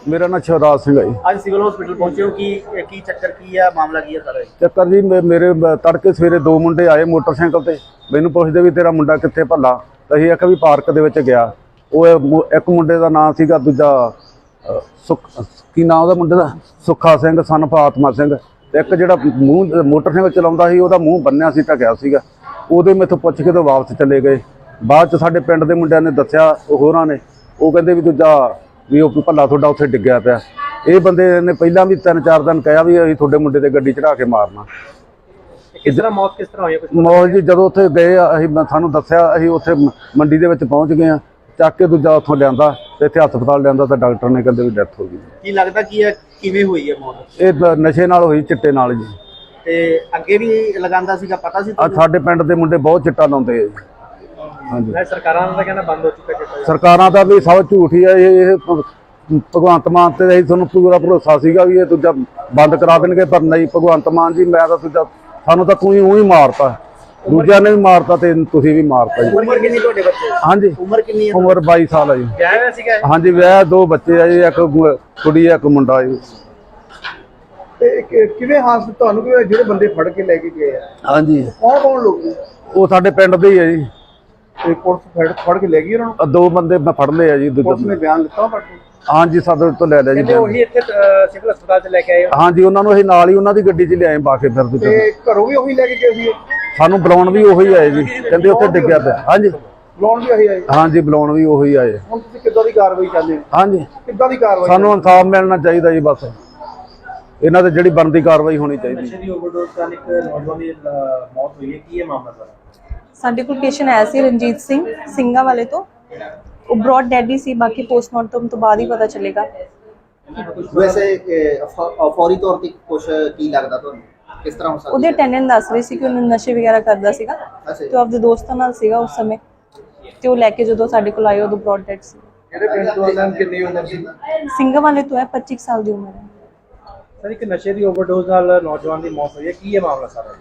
मेरा नाम शिवराज सिंह है जी। आज सिविल हॉस्पिटल पहुंचे हो की चक्कर की है मामला की है सारा? ਚੱਕਰ ਜੀ ਮੇਰੇ ਤੜਕੇ ਸਵੇਰੇ ਦੋ ਮੁੰਡੇ ਆਏ ਮੋਟਰਸਾਈਕਲ ਤੇ, ਮੈਨੂੰ ਪੁੱਛਦੇ ਵੀ ਤੇਰਾ ਮੁੰਡਾ ਕਿੱਥੇ ਭੱਲਾ। ਤਾਂ ਅਸੀਂ ਆਖਿਆ ਵੀ ਪਾਰਕ ਦੇ ਵਿੱਚ ਗਿਆ। ਉਹ ਇੱਕ ਮੁੰਡੇ ਦਾ ਨਾਂ ਸੀਗਾ, ਦੂਜਾ ਕੀ ਨਾਂ ਉਹਦਾ ਮੁੰਡੇ ਦਾ, ਸੁੱਖਾ ਸਿੰਘ ਸਨ ਆਤਮਾ ਸਿੰਘ। ਤੇ ਇੱਕ ਜਿਹੜਾ ਮੂੰਹ ਮੋਟਰਸਾਈਕਲ ਚਲਾਉਂਦਾ ਸੀ ਉਹਦਾ ਮੂੰਹ ਬੰਨਿਆ ਸੀ, ਢਕਿਆ ਸੀਗਾ। ਉਹਦੇ ਮੈਥੋਂ ਪੁੱਛ ਕੇ ਤਾਂ ਵਾਪਸ ਚਲੇ ਗਏ। ਬਾਅਦ 'ਚ ਸਾਡੇ ਪਿੰਡ ਦੇ ਮੁੰਡਿਆਂ ਨੇ ਦੱਸਿਆ ਹੋਰਾਂ ਨੇ, ਉਹ ਕਹਿੰਦੇ ਵੀ ਦੂਜਾ ਵੀ ਉਹ ਭੱਲਾ ਤੁਹਾਡਾ ਉੱਥੇ ਡਿੱਗਿਆ ਪਿਆ। ਇਹ ਬੰਦੇ ਨੇ ਪਹਿਲਾਂ ਵੀ 3-4 ਦਿਨ ਕਿਹਾ ਵੀ ਅਸੀਂ ਤੁਹਾਡੇ ਮੁੰਡੇ ਤੇ ਗੱਡੀ ਚੜਾ ਕੇ ਮਾਰਨਾ। ਕਿਸ ਤਰ੍ਹਾਂ ਮੌਤ ਕਿਸ ਤਰ੍ਹਾਂ ਹੋਈ? ਮੌਤ ਜੀ ਜਦੋਂ ਉੱਥੇ ਗਏ ਅਸੀਂ ਸਾਨੂੰ ਦੱਸਿਆ, ਅਸੀਂ ਉੱਥੇ ਮੰਡੀ ਦੇ ਵਿੱਚ ਪਹੁੰਚ ਗਏ ਹਾਂ। ਚੱਕ ਕੇ ਦੂਜਾ ਉੱਥੋਂ ਲਿਆਂਦਾ ਤੇ ਇੱਥੇ ਹਸਪਤਾਲ ਲਿਆਂਦਾ ਤਾਂ ਡਾਕਟਰ ਨੇ ਕਹਿੰਦੇ ਵੀ ਡੈਥ ਹੋ ਗਈ। ਕੀ ਲੱਗਦਾ ਕੀ ਹੈ ਕਿਵੇਂ ਹੋਈ ਹੈ ਮੌਤ? ਇਹ ਨਸ਼ੇ ਨਾਲ ਹੋਈ, ਚਿੱਟੇ ਨਾਲ ਜੀ। ਤੇ ਅੱਗੇ ਵੀ ਲਗਾਉਂਦਾ ਸੀਗਾ, ਪਤਾ ਸੀ? ਸਾਡੇ ਪਿੰਡ ਦੇ ਮੁੰਡੇ ਬਹੁਤ ਚਿੱਟਾ ਲਾਉਂਦੇ ਆ ਜੀ। ਹਾਂਜੀ, ਸਰਕਾਰਾਂ ਦਾ ਕਹਿਣਾ ਬੰਦ ਹੋ ਚੁੱਕਾ ਚਿੱਟਾ। ਸਰਕਾਰਾਂ ਦਾ ਵੀ ਸਭ ਝੂਠ ਹੀ ਹੈ। ਇਹ ਭਗਵੰਤ ਮਾਨ ਤੇ ਅਸੀਂ ਤੁਹਾਨੂੰ ਪੂਰਾ ਭਰੋਸਾ ਸੀਗਾ ਵੀ ਇਹ ਦੂਜਾ ਬੰਦ ਕਰਾ ਦੇਣਗੇ, ਪਰ ਨਹੀਂ। ਭਗਵੰਤ ਮਾਨ ਜੀ, ਮੈਂ ਤਾਂ ਦੂਜਾ ਸਾਨੂੰ ਤਾਂ ਤੂੰ ਹੀ ਮਾਰਤਾ, ਦੂਜਿਆਂ ਨੇ ਵੀ ਮਾਰਤਾ ਤੇ ਤੁਸੀਂ ਵੀ ਮਾਰਤਾ ਜੀ। ਉਮਰ ਕਿੰਨੀ ਤੁਹਾਡੇ ਬੱਚੇ? ਹਾਂਜੀ, ਉਮਰ ਕਿੰਨੀ ਹੈ? ਉਮਰ 22 ਸਾਲ ਹੈ ਜੀ। ਵਿਆਹ ਹੋਇਆ ਸੀਗਾ? ਹਾਂਜੀ, ਵਿਆਹ, 2 ਬੱਚੇ ਆ ਜੀ, ਇੱਕ ਕੁੜੀ ਹੈ, ਇੱਕ ਮੁੰਡਾ ਜੀ। ਤੇ ਕਿਵੇਂ ਹਾਦਸਾ ਤੁਹਾਨੂੰ ਜਿਹੜੇ ਬੰਦੇ ਫੜ ਕੇ ਲੈ ਕੇ ਗਏ ਆ? ਹਾਂਜੀ, ਕੌਣ ਲੋਕ ਨੇ? ਉਹ ਸਾਡੇ ਪਿੰਡ ਦੇ ਹੀ ਹੈ ਜੀ। ਤੇ ਪੁਲਿਸ ਫੜ ਕੇ ਲੈ ਗਈ ਉਹਨਾਂ ਨੂੰ? 2 ਬੰਦੇ ਮੈਂ ਫੜ ਲਏ ਆ ਜੀ। ਪੁਲਿਸ ਨੇ ਬਿਆਨ ਦਿੱਤਾ ਫੜ ਕੇ? ਹਾਂਜੀ, ਸਾਡੇ ਤੋਂ ਲੈ ਲਿਆ ਜੀ। ਉਹੀ ਇੱਥੇ ਸਿਵਲ ਹਸਪਤਾਲ ਚ ਲੈ ਕੇ ਆਏ? ਹਾਂਜੀ, ਉਹਨਾਂ ਨੂੰ ਅਸੀਂ ਨਾਲ ਹੀ ਉਹਨਾਂ ਦੀ ਗੱਡੀ 'ਚ ਲਿਆਏ ਪਾ ਕੇ। ਫਿਰ ਤੇ ਘਰੋਂ ਵੀ ਉਹੀ ਲੈ ਕੇ ਗਏ ਸੀ? ਸਾਨੂੰ ਬੁਲਾਉਣ ਵੀ ਉਹੀ ਆਏ ਜੀ, ਕਹਿੰਦੇ ਉੱਥੇ ਡਿੱਗਿਆ ਪਿਆ। ਹਾਂਜੀ, ਬੁਲਾਉਣ ਵੀ ਉਹੀ ਆਏ? ਹਾਂਜੀ, ਬੁਲਾਉਣ ਵੀ ਉਹੀ ਆਏ। ਹੁਣ ਤੁਸੀਂ ਕਿੱਦਾਂ ਦੀ ਕਾਰਵਾਈ ਚਾਹੁੰਦੇ ਹੋ? ਹਾਂਜੀ, ਕਿੱਦਾਂ ਦੀ ਕਾਰਵਾਈ? ਸਾਨੂੰ ਇਨਸਾਫ ਮਿਲਣਾ ਚਾਹੀਦਾ ਜੀ। ਬਸ ਇਹਨਾਂ ਤੇ ਜਿਹੜੀ ਬਣਦੀ ਕਾਰਵਾਈ ਹੋਣੀ ਚਾਹੀਦੀ। ਨਸ਼ੇ ਦੀ ਓਵਰਡੋਜ਼ ਨਾਲ ਇੱਕ ਨੌਜਵਾਨ ਦੀ ਮੌਤ ਹੋਈ ਹੈ, ਕੀ ਹੈ ਮਾਮਲਾ ਸਾਰਾ? ਸਾਡੇ ਕੋਲ ਪੇਸ਼ੈਂਟ ਆਇਆ ਸੀ ਰਣਜੀਤ ਸਿੰਘ ਸਿੰਘਾਂ ਵਾਲੇ ਤੋਂ। ਉਹ ਬ੍ਰੌਡ ਡੈਡ ਹੀ ਸੀ, ਬਾਕੀ ਪੋਸਟਮਾਰਟਮ ਤੋਂ ਬਾਅਦ ਹੀ ਪਤਾ ਚੱਲੇਗਾ। ਵੈਸੇ ਫੌਰੀ ਤੌਰ ਤੇ ਕੁਝ ਕੀ ਲੱਗਦਾ ਤੁਹਾਨੂੰ, ਕਿਸ ਤਰ੍ਹਾਂ ਹੋ ਸਕਦਾ? ਉਹਦੇ ਅਟੈਂਡੈਂਟ ਦੱਸ ਰਹੇ ਸੀ ਕਿ ਉਹਨੂੰ ਨਸ਼ੇ ਵਗੈਰਾ ਕਰਦਾ ਸੀਗਾ ਤੇ ਆਪਦੇ ਦੋਸਤਾਂ ਨਾਲ ਸੀਗਾ ਉਸ ਸਮੇਂ। ਤੇ ਉਹ ਲੈ ਕੇ ਜਦੋਂ ਸਾਡੇ ਕੋਲ ਆਏ ਉਦੋਂ ਬ੍ਰੌਡ ਡੈਡ ਸੀ। ਕਿਹੜੇ ਪਿੰਡ ਤੋਂ ਆਉਂਦਾ? ਕਿੰਨੀ ਉਮਰ ਸੀ? ਸਿੰਘਾਂ ਵਾਲੇ ਤੋਂ ਹੈ, 25 ਸਾਲ ਦੀ ਉਮਰ ਹੈ। ਸਰ, ਇੱਕ ਨਸ਼ੇ ਦੀ ਓਵਰਡੋਜ਼ ਨਾਲ ਨੌਜਵਾਨ ਦੀ ਮੌਤ ਹੋਈ ਹੈ, ਕੀ ਹੈ ਮਾਮਲਾ ਸਾਰਾ?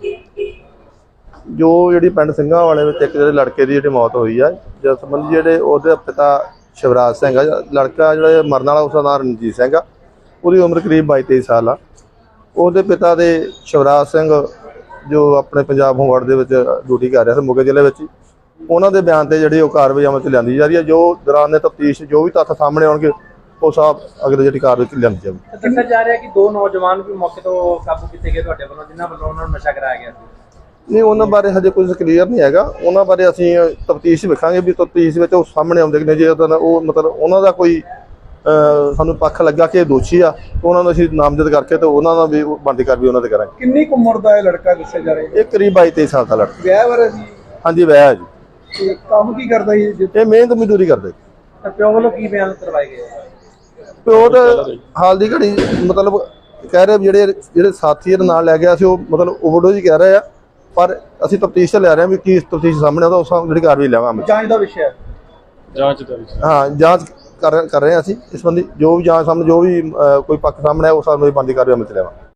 ਜੋ ਜਿਹੜੀ ਪਿੰਡ ਸਿੰਘਾਂ ਵਾਲੇ ਵਿੱਚ ਇੱਕ ਜਿਹੜੇ ਲੜਕੇ ਦੀ ਜਿਹੜੀ ਮੌਤ ਹੋਈ ਆ, ਜਿਸ ਸੰਬੰਧੀ ਜਿਹੜੇ ਉਹਦੇ ਪਿਤਾ ਸ਼ਿਵਰਾਜ ਸਿੰਘ ਆ, ਲੜਕਾ ਜਿਹੜਾ ਮਰਨ ਵਾਲਾ ਉਸਦਾ ਨਾਮ ਰਣਜੀਤ ਸਿੰਘ ਆ, ਉਹਦੀ ਉਮਰ ਕਰੀਬ 22-23 ਸਾਲ ਆ। ਉਹਦੇ ਪਿਤਾ ਦੇ ਸ਼ਿਵਰਾਜ ਸਿੰਘ ਜੋ ਆਪਣੇ ਪੰਜਾਬ ਹੋਮਗਾਰਡ ਦੇ ਵਿੱਚ ਡਿਊਟੀ ਕਰ ਰਿਹਾ ਸੀ ਮੋਗੇ ਜ਼ਿਲ੍ਹੇ ਵਿੱਚ, ਉਹਨਾਂ ਦੇ ਬਿਆਨ ਤੇ ਜਿਹੜੀ ਉਹ ਕਾਰਵਾਈ ਅਮਲ 'ਚ ਲਿਆਂਦੀ ਜਾ ਰਹੀ ਹੈ। ਜੋ ਦੌਰਾਨ ਤਫਤੀਸ਼ ਜੋ ਵੀ ਤੱਥ ਸਾਹਮਣੇ ਆਉਣਗੇ ਉਹ ਸਭ ਅਗਲੇ ਜਿਹੜੀ ਕਾਰਵਾਈ ਲਿਆਂਦੀ ਜਾਵੇਗੀ। ਦੱਸਿਆ ਜਾ ਰਿਹਾ ਕਿ 2 ਨੌਜਵਾਨ ਵੀ ਮੌਕੇ ਤੋਂ ਕਾਬੂ ਕੀਤੇ ਗਏ ਤੁਹਾਡੇ ਵੱਲੋਂ, ਜਿਨ੍ਹਾਂ ਵੱਲੋਂ ਉਹਨਾਂ ਨੂੰ ਨਸ਼ਾ ਕਰਾਇਆ ਗਿਆ ਸੀ। ਨਹੀਂ, ਉਹਨਾਂ ਬਾਰੇ ਹਜੇ ਕੁਝ ਕਲੀਅਰ ਨਹੀਂ ਹੈਗਾ। ਉਹਨਾਂ ਬਾਰੇ ਅਸੀਂ ਤਫਤੀਸ਼ ਵੇਖਾਂਗੇ ਵੀ ਤਫਤੀਸ਼ ਵਿੱਚ ਉਹ ਸਾਹਮਣੇ ਆਉਂਦੇ ਨੇ। ਜੇ ਉਹ ਮਤਲਬ ਉਹਨਾਂ ਦਾ ਕੋਈ ਸਾਨੂੰ ਪੱਖ ਲੱਗਾ ਕਿ ਇਹ ਦੋਸ਼ੀ ਆ, ਉਹਨਾਂ ਨੂੰ ਅਸੀਂ ਨਾਮਜ਼ਦ ਕਰਕੇ ਤੇ ਉਹਨਾਂ ਦਾ ਵੀ ਬਣਦੀ ਕਾਰਵਾਈ ਉਹਨਾਂ ਤੇ ਕਰਾਂਗੇ। ਕਿੰਨੀ ਕੁ ਉਮਰ ਦਾ ਇਹ ਲੜਕਾ ਦੱਸਿਆ ਜਾ ਰਿਹਾ? ਇਹ ਕਰੀਬ 22-23 ਸਾਲ ਦਾ ਲੜਕਾ। ਵਿਆਹ ਵਾਲਾ ਸੀ? ਹਾਂਜੀ, ਵਿਆਹ ਹੈ ਜੀ। ਤੇ ਕੰਮ ਕੀ ਕਰਦਾ ਸੀ? ਇਹ ਮਿਹਨਤ ਮਜ਼ਦੂਰੀ ਕਰਦੇ। ਪਿਓ ਵੱਲੋਂ ਕੀ ਬਿਆਨ ਕਰਵਾਏ ਗਏ? ਪਿਓ ਤਾਂ ਹਾਲ ਦੀ ਘੜੀ ਮਤਲਬ ਕਹਿ ਰਹੇ ਜਿਹੜੇ ਸਾਥੀ ਦੇ ਨਾਲ ਲੈ ਗਿਆ ਸੀ ਉਹ ਮਤਲਬ ਓਵਰਡੋਜ਼ ਹੀ ਕਹਿ ਰਹੇ ਆ, ਪਰ ਅਸੀਂ ਤਫਤੀਸ਼ ਲੈ ਰਹੇ ਹਾਂ ਵੀ ਕੀ ਤਫਤੀਸ਼ ਸਾਹਮਣੇ ਆਉਂਦਾ ਉਸ ਜਿਹੜੀ ਕਾਰਵਾਈ ਲਵਾਂਗੇ। ਜਾਂਚ ਦਾ ਵਿਸ਼ਾ ਹੈ? ਹਾਂ, ਜਾਂਚ ਕਰ ਰਹੇ ਹਾਂ ਅਸੀਂ ਇਸ ਸੰਬੰਧੀ। ਜੋ ਵੀ ਜਾਂਚ ਸਾਹਮਣੇ ਜੋ ਵੀ ਕੋਈ ਪੱਖ ਸਾਹਮਣੇ ਆਇਆ ਉਸ ਸਾਹਮਣੇ ਬਣਦੀ ਕਾਰਵਾਈ ਅਮਲ 'ਚ ਲਿਆਵਾਂਗੇ।